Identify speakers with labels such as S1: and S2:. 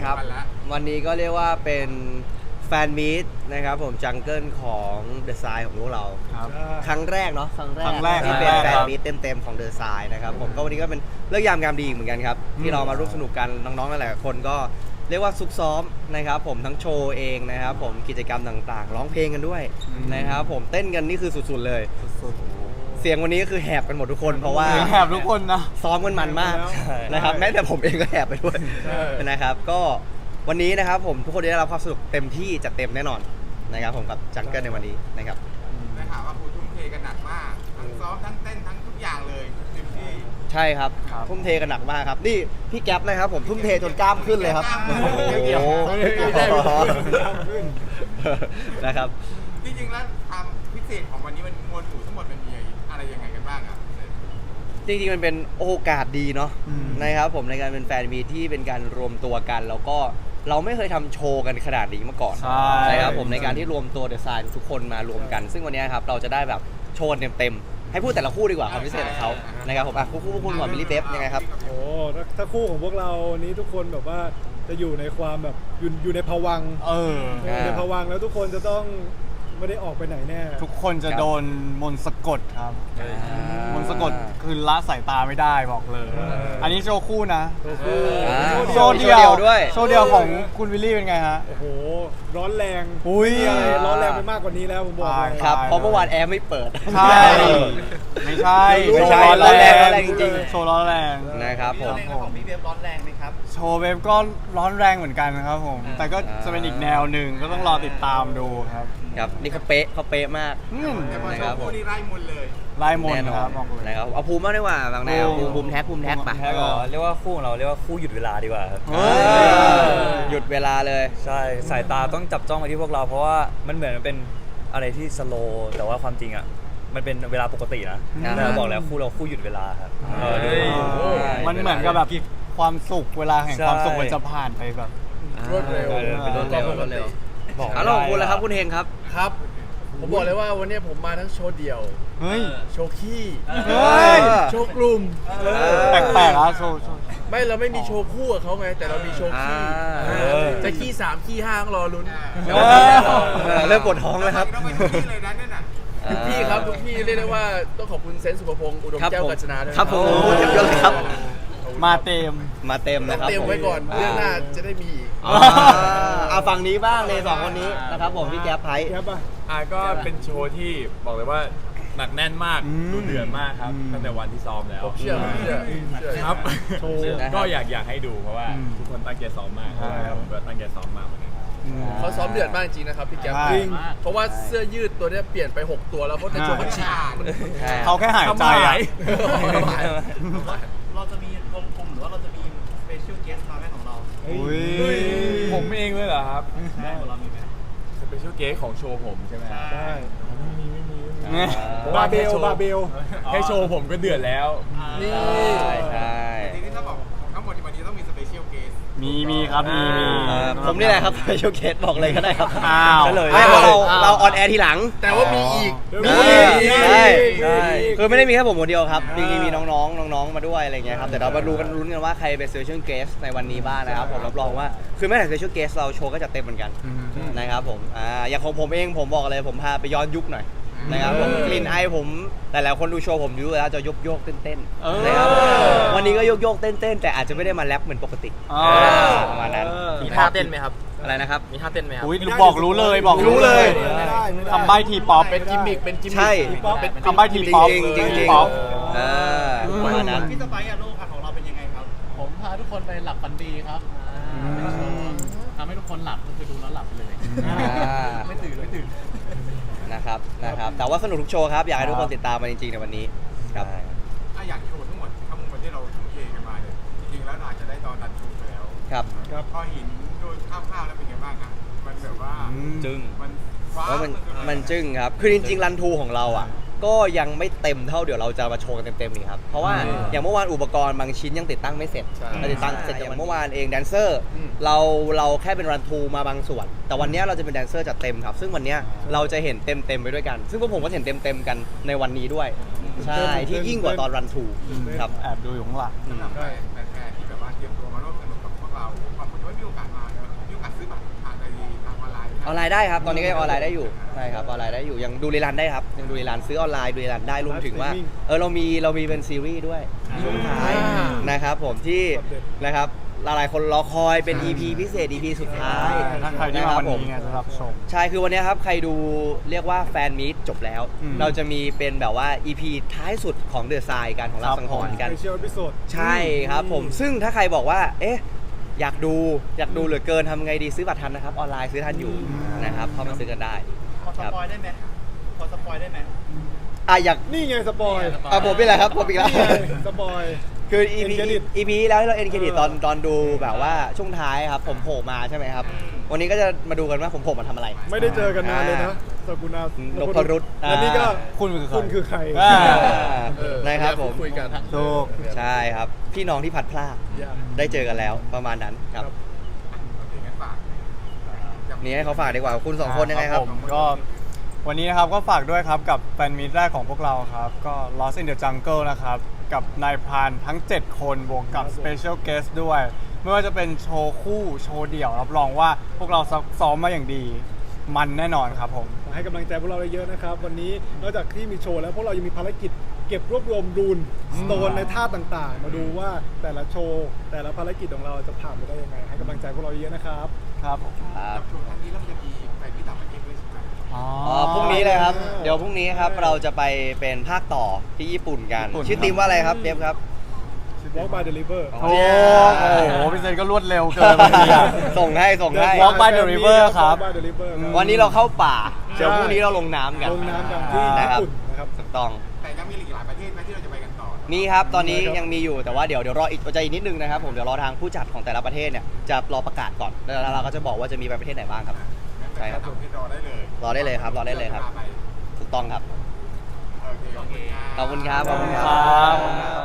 S1: ครับวันนี้ก็เรียกว่าเป็นแฟนมีตนะครับผมจังเกิลของเดอะไซน์ของพวกเราครั้งแรกเนาะครั้งแรกที่เป็นแฟนมีตเต็มๆของเดอะไซน์นะครับผมก็วันนี้ก็เป็นเรื่องยามงามดีเหมือนกันครับที่เรามาร่วมสนุกกันน้องๆหลายๆคนก็เรียกว่าซุกซ้อมนะครับผมทั้งโชว์เองนะครับผมกิจกรรมต่างๆร้องเพลงกันด้วยนะครับผมเต้นกันนี่คือสุดๆเลยเสียงวันนี้ก็คือแหบกันหมดทุกคนเพราะว่า
S2: แหบทุกคนนะ
S1: ซ้อมกันมันมากนะครับแม้แต่ผมเองก็แหบไปด้วยนะครับก็วันนี้นะครับผมทุกคนได้รับความสนุกเต็มที่จัดเต็มแน่นอนนะครับผมกับจังเกิลในวันนี้นะครับ
S3: ได้ข่าวว่าครูทุ่มเทกันหนักมากทั้งซ้อมทั้งเต้นทั้งทุกอย่างเลยเต็มที่
S1: ใช่ครับทุ่มเทกันหนักมากครับนี่พี่แก๊ปนะครับผมทุ่มเทจนกล้ามขึ้นเลยครับนะครับ
S3: จริงๆแล้วความพิเศษของวันนี้มันมวลหมู่ทั้งหมดมันมีอะไรยังไงกันบ้างครับ
S1: จริงๆมันเป็นโอกาสดีเนาะนะครับผมในการเป็นแฟนมีที่เป็นการรวมตัวกันแล้วก็เราไม่เคยทำโชว์กันขนาดนี้มาก่อนนะครับผมในการที่รวมตัวเดอะไซน์ทุกคนมารวมกันซึ่งวันนี้ครับเราจะได้แบบโชว์เต็มๆให้พูดแต่ละคู่ดีกว่าความพิเศษของเขานะครับผมคู่คุณก่อนมิลลี่เบฟยังไงครับ
S4: โอ้ถ้าคู่ของพวกเราวันนี้ทุกคนแบบว่าจะอยู่ในความแบบอยู่ในภวังค์ในภวังค์แล้วทุกคนจะต้องไม่ได้ออกไปไหนแน่
S2: ทุกคนจะโดนมนต์สะกดครับมนต์สะกดคือละสายตาไม่ได้บอกเลยอันนี้โชว์คู่นะโชว์เดียว
S1: ด้วย
S2: โชว์เดียวของคุณวิลลี่เป็นไงฮะ
S4: โอ้โหร้อนแรงอะไรร้อนแรงไปมากกว่านี้แล้วผมบอกเลย
S1: ครับเพราะเมื่อวานแอร์ไม่เปิด
S2: ใช่ไม่ใช่
S1: ร้อนแรงจริง
S2: ๆโชว์ร้อนแรง
S1: นะครับผม
S3: ของพี่เบฟร้อนแรงไหมครับ
S2: โชว์เบฟก็ร้อนแรงเหมือนกันนะครับผมแต่ก็จะเป็นอีกแนวหนึ่งก็ต้องรอติดตามดูครับ
S1: ครับนี่เขาเป๊ะมาก
S3: นะครับผมนี่ไล่มนเลย
S2: ไล่มนครับบอกเลย
S1: นะครับเอาภูมิมากดีกว่าบางแนวภูมิแท็กป่ะ
S5: เรียกว่าคู่ของเราเรียกว่าคู่หยุดเวลาดีกว่าครับ
S1: หยุดเวลาเลย
S5: ใช่สายตาต้องจับจ้องไปที่พวกเราเพราะว่ามันเหมือนมันเป็นอะไรที่สโลว์แต่ว่าความจริงอ่ะมันเป็นเวลาปกตินะเราบอกแล้วคู่เราคู่หยุดเวลาครับ
S2: มันเหมือนกับแบบความสุขเวลาแห่งความสุขมันจะผ่านไปแบบ
S3: รวดเร็ว
S1: เป็นรวดเร็วบอกแล้วคุณแล้วครับคุณเฮงครับ
S6: ครับผมบอกเลยว่าวันนี้ผมมาทั้งโชว์เดี่ยวโชว์ขี้โชว์กลุ่ม
S2: แปลกๆนะโชว์
S6: ไม่เราไม่มีโชว์คู่กับเขาไงแต่เรามีโชว์ขี้จะขี้3ขี้5ต้องรอลุ้น
S1: เริ่มปวดท้องแล้วครับ
S6: ทุกพี่ครับทุกพี่เรียกได้ว่าต้องขอบคุณเซนต์สุภพงศ์อุดมแก้วกัญจนาด้วย
S1: ครับผมเยอะเลยครับ
S2: มาเต็ม
S1: นะครับ
S6: เต็มไว้ก่อนเรื่องหน้าจะได้มี
S1: เอาฝั่งนี้บ้างเลย2คนนี้นะครับผมพี่แก๊ปไพร์
S7: ก็เป็นโชว์ที่บอกเลยว่าหนักแน่นมากดูเดือดมากครับตั้งแต่วันที่ซ้อมแล้ว
S6: เชื่อ
S7: ครับก็อยากให้ดูเพราะว่าทุกคนตั้งใจซ้อมมากแล้วผมก็ตั้งใจซ้อมมากเหมือนกัน
S6: เขาซ้อมเดือดมากจริงนะครับพี่แก๊ปจริงเพราะว่าเสื้อยืดตัวนี้เปลี่ยนไป6ตัวแล้วเพราะในโชว์เขาฉีก
S2: เขาแค่หายใจ
S3: เราจะมีกลมๆหรือว่าเราจะมีสเปเชียลเกสต์มาแม่ของเรา
S7: ผมเองเลยเหรอครับเรามีไหมสเปเชียลเกสของโชว์ผมใช่ไหม
S4: ใช่
S7: ไม่มี
S4: บาเบล
S7: ให้โชว์ผมก็เดือดแล้ว
S1: นี่ใช่
S3: ทีนี้ถ้าบอกทั้งหมดที่วันนี้ต้องมีสเปเชียลเกสต์
S2: มีครับมี
S1: ผมนี่แหละครับสเปเชียลเกสต์บอกเลยก็ได้ครับ
S2: เลย
S1: เราออนแอร์ทีหลัง
S6: แต่ว่ามีอีก
S1: ใช่คือไม่ได้มีแค่ผมคนเดียวครับจริงๆมีน้องมาด้วยอะไรเงี้ยครับแต่เรามาลุ้นกันว่าใครเป็นสเปเชียลเกสต์ในวันนี้บ้างนะครับผมรับรองว่าคือแม้แต่สเปเชียลเกสต์เราโชว์ก็จะเต็มเหมือนกันนะครับผมอย่างของผมเองผมบอกเลยผมพาไปย้อนยุคหน่อยนะครับผมกลิ่นไอผมแต่หลายคนดูโชว์ผมดูแล้วจะโยกเต้นนะครับวันนี้ก็โยกเต้นแต่อาจจะไม่ได้มาแรปเหมือนปกติประมาณนั้น
S5: มีท่าเต้นไหมครับ
S1: อะไรนะครับ
S5: มีท่าเต้นไหมครับ
S2: บอกรู้เลยทำใบทีป๊อป
S6: เป็นกิมมิค
S1: ใช่
S2: ทำใบทีป๊อป
S1: จริงประมาณนั้น
S3: พี่สไปซ์โลกของเราเป็นยังไงครับ
S8: ผมพาทุกคนไปหลับฝันดีครับทำให้ทุกคนหลับก็คือดูแล้วหลับไปเลยไม่ตื่น
S1: นะครับแต่ว่าสนุกทุกโชว์ครับอยากให้ทุกคนติดตามมาจริงๆในวันนี้ครับ
S3: อยากโชว์ทั้งหมดที่เราทุ่มเทกันมาเนี่ยจริงๆแล้วอาจจะได้ตอนรันทรูแล้ว
S1: ครับ
S3: พอเห็นโดยคร่าวๆแล้วเป็นไงบ้างครับมันแบบว่า
S1: จึ้ง
S3: มัน
S1: จึ้งครับคือจริงๆรันทรูของเราอ่ะก็ยังไม่เต็มเท่าเดี๋ยวเราจะมาโชว์กันเต็มๆนี่ครับเพราะว่าอย่างเมื่อวานอุปกรณ์บางชิ้นยังติดตั้งไม่เสร็จเราติดตั้งเสร็จอย่างเมื่อวานเองแดนเซอร์เราแค่เป็นรันทรูมาบางส่วนแต่วันนี้เราจะเป็นแดนเซอร์จัดเต็มครับซึ่งวันนี้เราจะเห็นเต็มไปด้วยกันซึ่งพวกผมก็เห็นเต็มกันในวันนี้ด้วยใช่ที่ยิ่งกว่าตอนรันทรูครับ
S2: แอบดูอยู่ข้างหลัง
S3: สำหรับแฟนๆที่แบบว่าเตรียมตัวมาร่วมสนุกกับพวกเราบางคนไม่มีโอกาสมา
S1: ลน์ได้ครับ ตอนนี้ก็ยังออนไลน์ได้อยู่ใช่ครับออนไลน์ได้อยู่ยังดูรีลันได้ครับยังดูรีลันซื้อออนไลน์ดูรีลันได้รวมถึงว่าเรามีเป็นซีรีส์ด้วยช่วงท้ายนะครับผมที่นะครับหลายๆคนรอคอยเป็น EP พิเศษ EP สุดท้าย
S2: ถ้าใครที่มาวันนี้ไงจะรับชม
S1: ใช่คือวันนี้ครับใครดูเรียกว่าแฟนมีตจบแล้ว เราจะมีเป็นแบบว่า EP ท้ายสุดของเดอะทรายกันของเราสังหรณ์กัน
S4: สเปเชียลพิโซด
S1: ใช่ครับผมซึ่งถ้าใครบอกว่าเอ๊ะอยากดูเหลือเกินทำไงดีซื้อบัตรทันนะครับออนไลน์ซื้อทันอยู่นะครับเข้ามาซื้อกันได้
S8: พอสปอยได้ไหมพอสปอยได้ไหม
S1: อยาก
S4: นี่ไงสปอย
S1: ผมเป็นไรครับผมอีกแล้ว
S4: นี่ไงสปอย
S1: คือ
S4: End credit
S1: EP แล้วที่เราเอ็นเครดิตตอนดูแบบว่าช่วงท้ายครับผมโผล่มาใช่ไหมครับ วันนี้ก็จะมาดูกันว่าผมโผล่มาทำอะไร
S4: ไม่ได้เจอกันนานเลยนะสกุณาน
S1: พรุต
S4: และนี่ก็
S2: คุณคือใคร
S4: คุณคือใคร
S2: อ่า
S1: นะครับผม
S6: คุยกัน
S2: ถูก
S1: ใช่ครับ พี่น้องที่พัดพลาดได้เจอกันแล้วประมาณนั้นครับ
S3: โอเคงั้นฝาก
S1: นี่ให้เขาฝากดีกว่าคุณสองคนยังไงครับ
S2: ผมก็วันนี้นะครับก็ฝากด้วยครับกับแฟนมีตแรกของพวกเราครับ ก็ Lost in the Jungle นะครับ กับนายพรานทั้ง 7 คนบวกกับ Special Guest ด้วย ไม่ว่าจะเป็นโชว์คู่โชว์เดี่ยว รับรองว่าพวกเราซ้อมมาอย่างดี มันแน่นอนครับผม
S4: ให้กำลังใจพวกเราเยอะๆนะครับ วันนี้นอกจากที่มีโชว์แล้วพวกเรายังมีภารกิจเก็บรวบรวมรูนสโตนในท่าต่างๆ มาดูว่าแต่ละโชว์แต่ละภารกิจของเราจะผ่านไปได้ยังไง ให้กำลังใจพวกเราเยอะๆนะครับ
S2: ครับ
S3: กับช่วงครั้งนี้เราจะมีไปที่ต่างประเทศด้วยใช่ไหม
S1: พรุ่งนี้เลยครับ เดี๋ยวพรุ่งนี้ครับเราจะไปเป็นภาคต่อที่ญี่ปุ่นกัน
S2: ญี่ปุ่น
S1: ชื่อทีมว่าอะไรครับเดฟครับ
S4: Walk by Deliver
S2: โอ้โหพี่เซนก็รวดเร็วเกินบางทีอะ
S1: ส่งให้
S2: Walk by the River ครับ
S4: Walk by the River ครับ
S1: วันนี้เราเข้าป่า เดี๋ยวพรุ่งนี้เราลงน้ำกัน
S4: ลงน้ำกันที่
S1: นะ
S4: ญี่
S1: ครับ
S4: ปุ่นนะครับ
S1: ถูกต้อง
S3: แต่ยังมีอีกหลายประเทศไหมที่เราจะไปกันต่อ
S1: มีครับ ตอนนี้ยังมีอยู่แต่ว่าเดี๋ยวรออีกใจนิดนึงนะครับผมเดี๋ยวรอทางผู้จัดของแต่ละประเทศเนี่ยจะรอประกาศก่อนแล้วเราก็จะบอกว่าจะมีไปประเทศไหนบ้างครับ ใช่ครับ
S3: ต่างประเทศรอได้เลย
S1: รอได้เลยครับรอได้เลยครับ ถูกต้องครับ
S3: โอเคขอบคุณครับ
S1: ขอบคุณครับ
S2: ขอบคุณครับ